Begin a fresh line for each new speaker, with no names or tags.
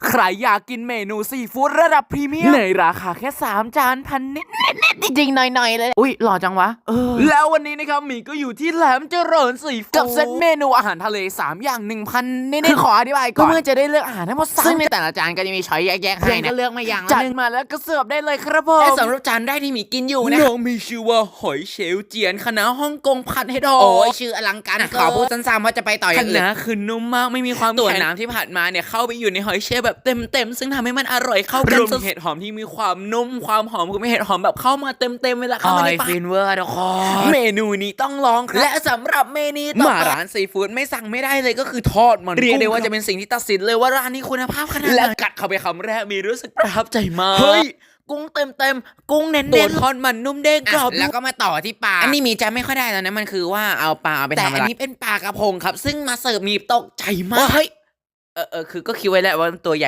ใครอยากกินเมนูซีฟู้ดระดับพรีเมียมในราคาแค่3 จานพันนิดจริงๆหน่อยๆเลยอุ้ยหล่อจังวะแล้ววันนี้นะครับหมีก็อยู่ที่แหลมเจริญซีฟู้ดกับเซตเมนูอาหารทะเล3 อย่าง 1,000 นิดๆขออธิบายก่อนเพื่อจะได้เลือกอาหารทั้งหมด3ซึ่งในแต่ละจานก็จะมีช้อยแยกๆให้นะก็เลือกมาอย่างจัดมาแล้วก็เสิร์ฟได้เลยครับผมและสำหรับจานแรกที่หมีกินอยู่นะน้องมีชื่อว่าหอยเชลล์เจียนคณะฮ่องกงผัดให้ดอกโอ้ยชื่ออลังการขอพูดสั้นๆว่าจะไปต่ออย่างอื่นคณะคือนุ่มมากไม่มีความตัวน้ำที่ผัดมาเนี่ยเข้าไปอยู่ในหอยเชลล์แบบเต็มซึ่งทำให้มันอร่อยเข้ากันรวมเห็ดหอมที่มีความนุ่มความหอมของเห็ดหอมแบบเข้ามาเต็มเวลาเข้ามาในปากฟินเวอร์ทุกคนเมนูนี้ต้องลองครับและสำหรับเมนูต่อมาร้านซีฟู้ดไม่สั่งไม่ได้เลยก็คือทอดมันเรียกได้ว่าจะเป็นสิ่งที่ตัดสินเลยว่าร้านนี้คุณภาพขนาดไหนและกัดเข้าไปคำแรกมีรู้สึกประทับใจมากเฮ้ยกุ้งเต็มกุ้งเน้นๆตัวทอดมันนุ่มเด้งกรอบแล้วก็มาต่อที่ปลาอันนี้มีจะไม่ค่อยได้แล้วนะมันคือว่าเอาปลาไปทำอะไรแต่อันนี้เป็นปลากระพงครับซึ่งมาเสิร์ฟมีตกใจมากเฮ้ยคือก็คิดไว้แล้วว่าตัวใหญ่